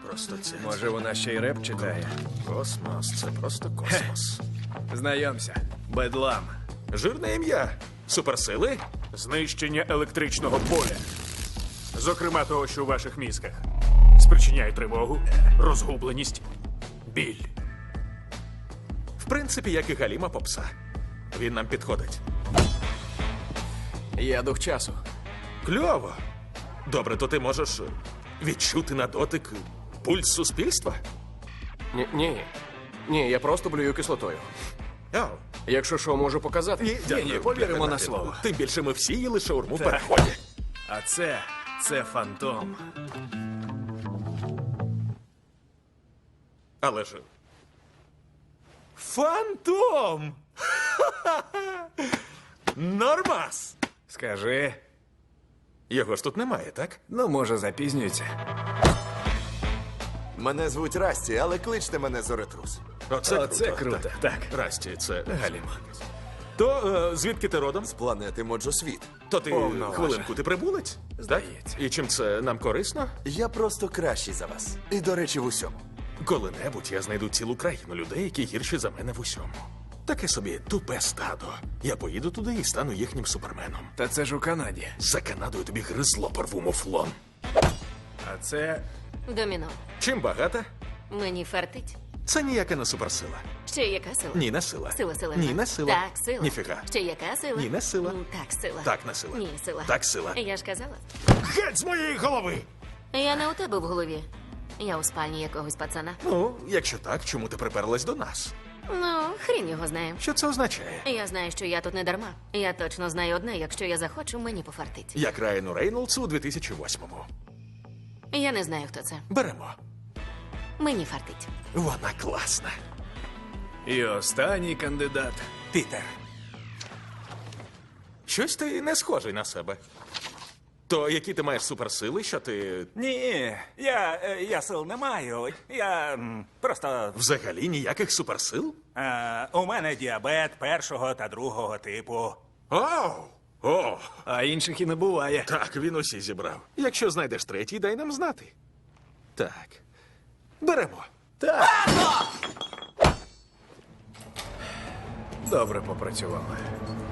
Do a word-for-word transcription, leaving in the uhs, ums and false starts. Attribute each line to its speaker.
Speaker 1: просто це.
Speaker 2: Може, вона ще й реп читає?
Speaker 1: Космос, це просто космос.
Speaker 2: Знайомся. Бедлам.
Speaker 1: Жирне ім'я. Суперсили?
Speaker 3: Знищення електричного поля. Зокрема того, що у ваших мізках. Спричиняє тривогу, розгубленість, біль.
Speaker 1: В принципі, як і Галіма попса. Він нам підходить.
Speaker 2: Я дух часу.
Speaker 1: Кльово. Добре, то ти можеш відчути на дотик пульс суспільства?
Speaker 4: Ні, ні. Ні, я просто блюю кислотою.
Speaker 1: Ау.
Speaker 4: Якщо що, можу показати.
Speaker 1: Ні,
Speaker 2: ні, повіримо на слово.
Speaker 1: Тим більше ми всі їли шаурму в переході.
Speaker 2: А це. це фантом.
Speaker 1: Але ж... Фантом! Нормас!
Speaker 2: Скажи.
Speaker 1: Його ж тут немає, так?
Speaker 2: Ну, може, запізнюється.
Speaker 5: Мене звуть Расті, але кличте мене Зоретрус.
Speaker 1: Оце,
Speaker 2: Оце круто,
Speaker 1: Так.
Speaker 2: так.
Speaker 1: Расті, це Галіма. То е, звідки ти родом?
Speaker 5: З планети Моджосвіт.
Speaker 1: То ти,
Speaker 2: Повно
Speaker 1: хвилинку, ти прибулець?
Speaker 2: Здається.
Speaker 1: Так? І чим це нам корисно?
Speaker 5: Я просто кращий за вас. І, до речі, в усьому.
Speaker 1: Коли-небудь я знайду цілу країну людей, які гірші за мене в усьому. Таке собі тупе стадо. Я поїду туди і стану їхнім суперменом.
Speaker 2: Та це ж у Канаді.
Speaker 1: За Канадою тобі гризло порву муфлон.
Speaker 2: А це.
Speaker 6: Доміно.
Speaker 1: Чим багата?
Speaker 6: Мені фартить.
Speaker 1: Це ніяка не суперсила.
Speaker 6: Ще яка сила?
Speaker 1: Ні, не сила.
Speaker 6: Сила, сила.
Speaker 1: Ні,
Speaker 6: так.
Speaker 1: не сила.
Speaker 6: Так, сила.
Speaker 1: Ніфіга.
Speaker 6: Ще яка сила?
Speaker 1: Ні, не сила.
Speaker 6: Ну, так, сила.
Speaker 1: Так, не сила.
Speaker 6: Ні, сила.
Speaker 1: Так, сила.
Speaker 6: Я ж казала.
Speaker 1: Геть з моєї голови!
Speaker 6: Я не у тебе в голові. Я у спальні якогось пацана.
Speaker 1: Ну, якщо так, чому ти приперлась до нас?
Speaker 6: Ну, хрін його знає.
Speaker 1: Що це означає?
Speaker 6: Я знаю, що я тут не дарма. Я точно знаю одне, якщо я захочу, мені пофартить.
Speaker 1: Як Райану Рейнолдсу у дві тисячі восьмому.
Speaker 6: Я не знаю, хто це.
Speaker 1: Беремо.
Speaker 6: Мені фартить.
Speaker 1: Вона класна.
Speaker 2: І останній кандидат.
Speaker 1: Пітер. Щось ти не схожий на себе. То які ти маєш суперсили, що ти
Speaker 7: Ні, я, е, я сил не маю. Я м, просто.
Speaker 1: взагалі ніяких суперсил?
Speaker 7: Е, у мене діабет першого та другого типу.
Speaker 1: Оу! О,
Speaker 2: А інших і не буває.
Speaker 1: так, він усі зібрав. Якщо знайдеш третій, дай нам знати. Так. Беремо.
Speaker 2: Добре попрацювали.